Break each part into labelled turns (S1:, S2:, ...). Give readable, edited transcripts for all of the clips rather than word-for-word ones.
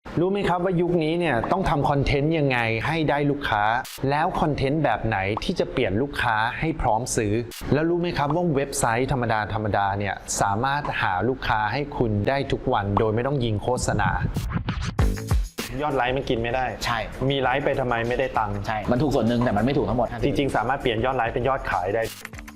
S1: รู้ไหมครับว่ายุคนี้เนี่ยต้องทำคอนเทนต์ยังไงให้ได้ลูกค้าแล้วคอนเทนต์แบบไหนที่จะเปลี่ยนลูกค้าให้พร้อมซื้อแล้วรู้ไหมครับว่าเว็บไซต์ธรรมดาเนี่ยสามารถหาลูกค้าให้คุณได้ทุกวันโดยไม่ต้องยิงโฆษณายอดไลค์มันกินไม่ได้
S2: ใช่
S1: มีไลค์ไปทำไมไม่ได้ตังค์
S2: ใช่มันถูกส่วนหนึ่งแต่มันไม่ถูกทั้งหมด
S1: จริงๆสามารถเปลี่ยนยอดไลค์เป็นยอดขายได้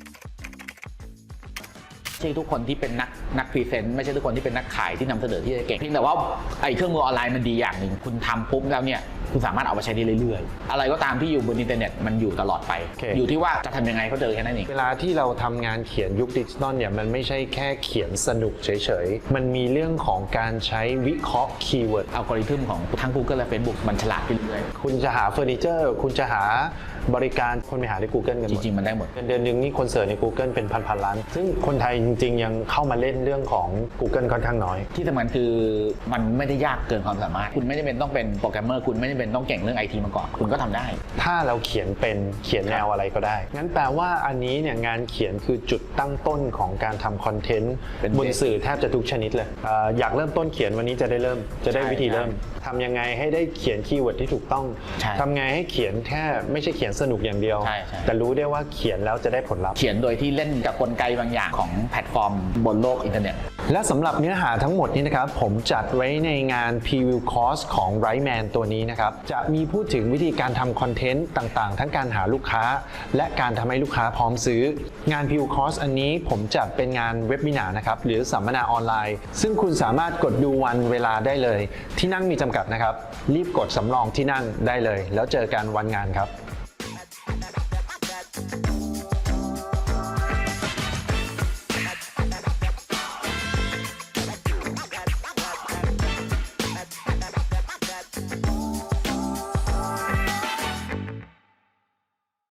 S2: ไม่ใช่ทุกคนที่เป็นนักพรีเซนต์ไม่ใช่ทุกคนที่เป็นนักขายที่นำเสนอที่จะเก่งเพียงแต่ว่าไอ้เครื่องมือออนไลน์มันดีอย่างหนึ่งคุณทำปุ๊บแล้วเนี่ยคุณสามารถเอาไปใช้ได้เรื่อยๆอะไรก็ตามที่อยู่บนอินเทอร์เน็ตมันอยู่ตลอดไป อยู่ที่ว่าจะทำยังไงเขาเจอแค่นั้นเอง
S1: เวลาที่เราทำงานเขียนยุคดิจิตอลเนี่ยมันไม่ใช่แค่เขียนสนุกเฉยๆมันมีเรื่องของการใช้วิเคราะห์คีย์เวิร์ด
S2: อัลกอริทึมของทั้ง Google และ Facebook มันฉลาดขึ้นเรื่อย
S1: คุณจะหาเฟอร์นิเจอร์คุณจะหาบริการคนไปหาใน Google กันหมด
S2: จริงๆมันได้หมด
S1: เดือนนึงนี่คนเสิร์ชใน Google เป็นพันล้านซึ่งคนไทยจริงๆยังเข้ามาเล่นเรื่องของ Google ค่อนข้างน้อย
S2: ที่สำคัญคือมันไม่ได้ยากเกินความสามารถคุณไม่ได้เป็นต้องเป็นโปรแกรมเมอร์คุณไม่ได้เป็นต้องเก่งเรื่อง IT มาก่อนคุณก็ทำได้
S1: ถ้าเราเขียนแนวอะไรก็ได้งั้นแปลว่าอันนี้เนี่ยงานเขียนคือจุดตั้งต้นของการทำคอนเทนต์บนสื่อแทบจะทุกชนิดเลยอยากเริ่มต้นเขียนวันนี้จะได้วิธีเริ่มทำยังไงให้ได้เขียนคีย์เวิร์ดที่ถูกต้องทำไงให้เขียนแค่ไม่ใช่เขียนสนุกอย่างเดียวแต่รู้ได้ว่าเขียนแล้วจะได้ผลลัพธ์
S2: เขียนโดยที่เล่นกับกลไกบางอย่างของแพลตฟอร์มบนโลกอินเทอร์เน็ต
S1: และสำหรับเนื้อหาทั้งหมดนี้นะครับผมจัดไว้ในงาน Preview Course ของ Writeman ตัวนี้นะครับจะมีพูดถึงวิธีการทำคอนเทนต์ต่างๆทั้งการหาลูกค้าและการทำให้ลูกค้าพร้อมซื้องาน Preview Course อันนี้ผมจัดเป็นงานเว็บมินานะครับหรือสัมมนาออนไลน์ซึ่งคุณสามารถกดดูวันเวลาได้เลยที่นั่งมีจำกัดนะครับรีบกดสำรองที่นั่งได้เลยแล้วเจอกันวันงานครับ